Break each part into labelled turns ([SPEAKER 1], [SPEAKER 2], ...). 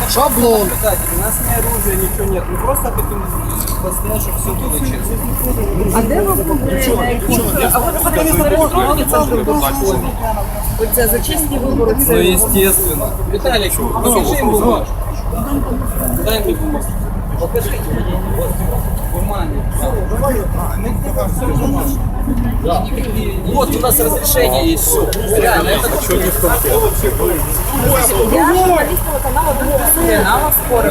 [SPEAKER 1] Шаблон.
[SPEAKER 2] У нас ни оружия, ничего нет. Мы просто хотим постоять, чтобы все было честно.
[SPEAKER 1] А де ви були? А ви потім зареєстровані центром? Оце за чесні вибори.
[SPEAKER 2] Ну, естественно. Виталик, покажи им бумажку. Дай мне бумажку. Покажите мне. Вот, бумаги. Вот у нас разрешение есть, все. Реально, это что не в конце.
[SPEAKER 1] Я журналіст телеканалу «Другого спорів».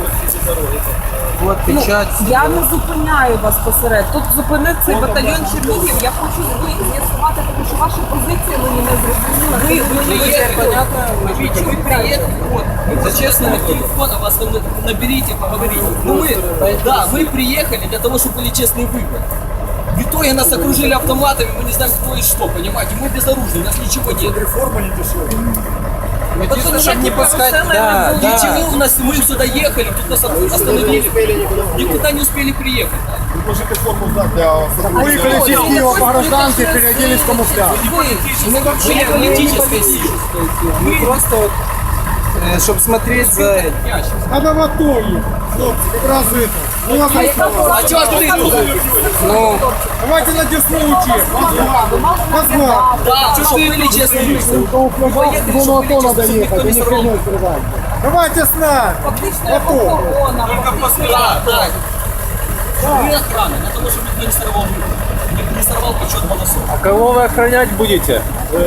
[SPEAKER 2] Вот печать.
[SPEAKER 1] Я не зупиняю вас посеред. Тут зупинив цей батальйон Чернігів. Я хочу з'ясувати, тому що ваша позиція мені не зрозуміла. Ви не
[SPEAKER 2] Понятно, вы приехали, вот, за честный телефон, а вас наберите, поговорите. Ну мы, да, мы приехали для того, чтобы были честные выборы. В итоге нас окружили автоматами, мы не знаем, кто и что, понимаете? Мы безоружны, у нас ничего нет.
[SPEAKER 3] Реформа не дешевая.
[SPEAKER 2] Единственное, чтобы не пускать, да, ничего, у нас, мы сюда ехали, тут нас остановили, никуда не успели приехать.
[SPEAKER 3] Вы можете форму сдать для...
[SPEAKER 1] Выехали из Киева по гражданке, переоделись в камуфляж.
[SPEAKER 2] Мы вообще не политическая сила. Мы просто вот, чтобы смотреть за...
[SPEAKER 3] Надо в АТО ехать. Хлопцы, как раз это. Ну, а
[SPEAKER 2] А чё ты тут? Ну,
[SPEAKER 3] давайте на Десну учить. Москва.
[SPEAKER 2] да, что были честные люди.
[SPEAKER 3] В зону АТО надо ехать, а не хренной стрелять. Давайте с нами.
[SPEAKER 1] Фактично охорона.
[SPEAKER 2] Да, да. Мы охрана, для того, чтобы никто не сорвал выборы. Не сорвал подсчет голосов.
[SPEAKER 4] А кого вы охранять будете?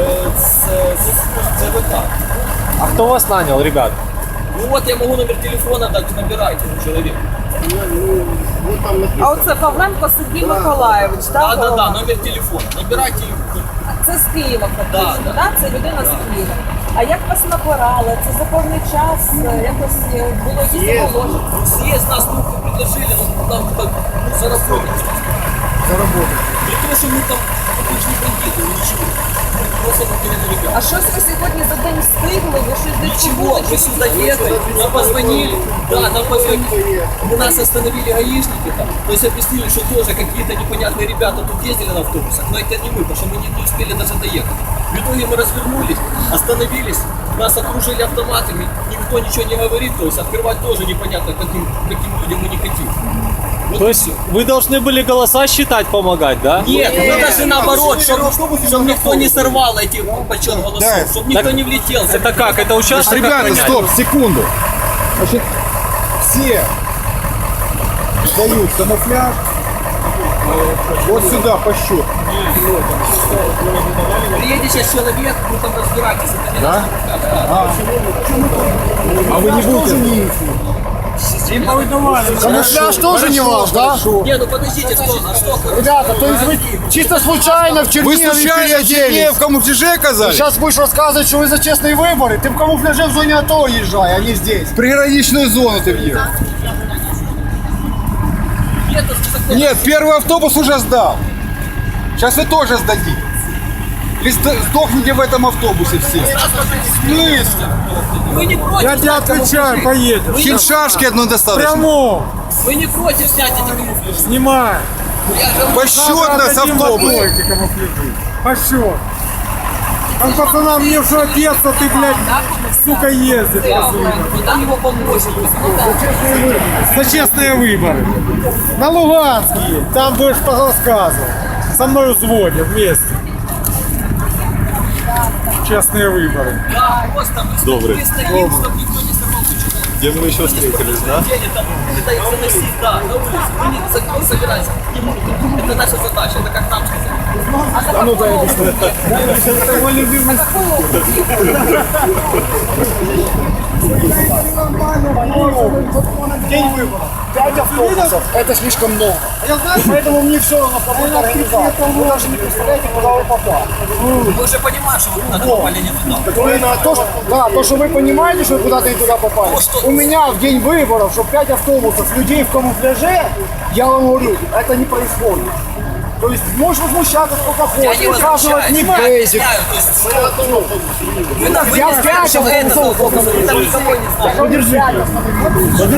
[SPEAKER 2] ЦВК.
[SPEAKER 4] А кто вас нанял, ребят?
[SPEAKER 2] Ну вот я могу номер телефона дать, набирайте человек.
[SPEAKER 1] А оце Павленко Сергій Миколаєвич,
[SPEAKER 2] Да,
[SPEAKER 1] так?
[SPEAKER 2] да, да, номер телефона. Набирайте.
[SPEAKER 1] Це з Києва фактично,
[SPEAKER 2] Да,
[SPEAKER 1] да? Це людина з Києва. А як вас набирали? Це за певний час якось було якісь оголошення?
[SPEAKER 2] Съезд нас предложили, нам так заработать. При том, что мы там обычные бандиты, ничего. Просто потеряли ребят.
[SPEAKER 1] А щось ви сьогодні за день встигли? Ви щось десь
[SPEAKER 2] Ничего,
[SPEAKER 1] побули,
[SPEAKER 2] мы
[SPEAKER 1] чи
[SPEAKER 2] сюда ехали, нам позвонили, да, нам позвонили, нас остановили гаишники там, то есть объяснили, что тоже какие-то непонятные ребята тут ездили на автобусах, но это не мы, потому что мы не успели даже доехать. В итоге мы развернулись, остановились, нас окружили автоматами, никто ничего не говорит, то есть открывать тоже непонятно, каким людям мы не хотим. Вот
[SPEAKER 4] То есть вы должны были голоса считать, помогать, да?
[SPEAKER 2] нет, мы даже наоборот, чтобы никто не сорвал эти подсчет голосов, чтобы никто не влетел.
[SPEAKER 4] Это как? Это участок
[SPEAKER 3] Ребята,
[SPEAKER 4] охранять?
[SPEAKER 3] стоп, секунду. Значит, все дают камуфляж. Вот сюда по счету.
[SPEAKER 2] Приедет сейчас человек, вы там разбираетесь, это не
[SPEAKER 3] Да?
[SPEAKER 2] наш.
[SPEAKER 3] А вы не будете?
[SPEAKER 1] Камуфляж тоже не ваш, да?
[SPEAKER 2] Не, ну подождите, что?
[SPEAKER 1] Ребята, то есть вы чисто случайно в
[SPEAKER 3] Вы
[SPEAKER 1] Чернигове
[SPEAKER 3] случайно
[SPEAKER 1] переоделись?
[SPEAKER 3] в камуфляже оказались?
[SPEAKER 1] Сейчас будешь рассказывать, что вы за честные выборы. Ты в камуфляже в зоне АТО езжай, а не здесь.
[SPEAKER 3] В приграничную зону ты въехал. Нет, первый автобус уже сдал. Сейчас вы тоже сдадите. Или сдохните в этом автобусе все. В смысле?
[SPEAKER 2] Вы не против?
[SPEAKER 3] Я тебе отвечаю, поедем. Хиншашки одно достаточно.
[SPEAKER 1] Прямо,
[SPEAKER 2] Вы не против снять эти камуфляжи?
[SPEAKER 1] снимай.
[SPEAKER 3] Посчетно с автобуса.
[SPEAKER 1] А что?
[SPEAKER 3] Там пацанам мне все детство, ты, блядь, сука, ездит.
[SPEAKER 2] Вы там его помочите.
[SPEAKER 3] За честные выборы. На Луганские. Там будешь рассказывать. Со мной взводят вместе. Честные выборы.
[SPEAKER 2] Да, просто мы
[SPEAKER 4] Добрый.
[SPEAKER 2] мы стоим, чтобы никто не сорвал подсчет голосов.
[SPEAKER 4] Где мы еще встретились, да?
[SPEAKER 2] Там пытаются носить, да, на улице. Мы не собираемся. Не будем. Это наша задача, это как нам сказать.
[SPEAKER 1] А ну дай
[SPEAKER 3] Мой любимый.
[SPEAKER 1] День выборов. 5 автобусов. Это слишком много. Я знаю, поэтому мне все равно кого организовать. Вы даже не представляете, куда вы попали.
[SPEAKER 2] Мы уже понимаем, что вы куда-то попали не туда.
[SPEAKER 1] То, что вы понимаете, что вы куда-то не туда попали. У меня в день выборов, что 5 автобусов людей в камуфляже, я вам говорю, это не происходит. То есть можешь возмущаться сколько
[SPEAKER 2] Я
[SPEAKER 1] хочешь,
[SPEAKER 2] не
[SPEAKER 1] указывать не
[SPEAKER 2] возмущаюсь.
[SPEAKER 1] бейзик.
[SPEAKER 2] Вы нас
[SPEAKER 1] Я
[SPEAKER 2] не знаете, что это
[SPEAKER 1] автобусов,
[SPEAKER 2] автобус, вы там никого не знаете.
[SPEAKER 1] Подержите.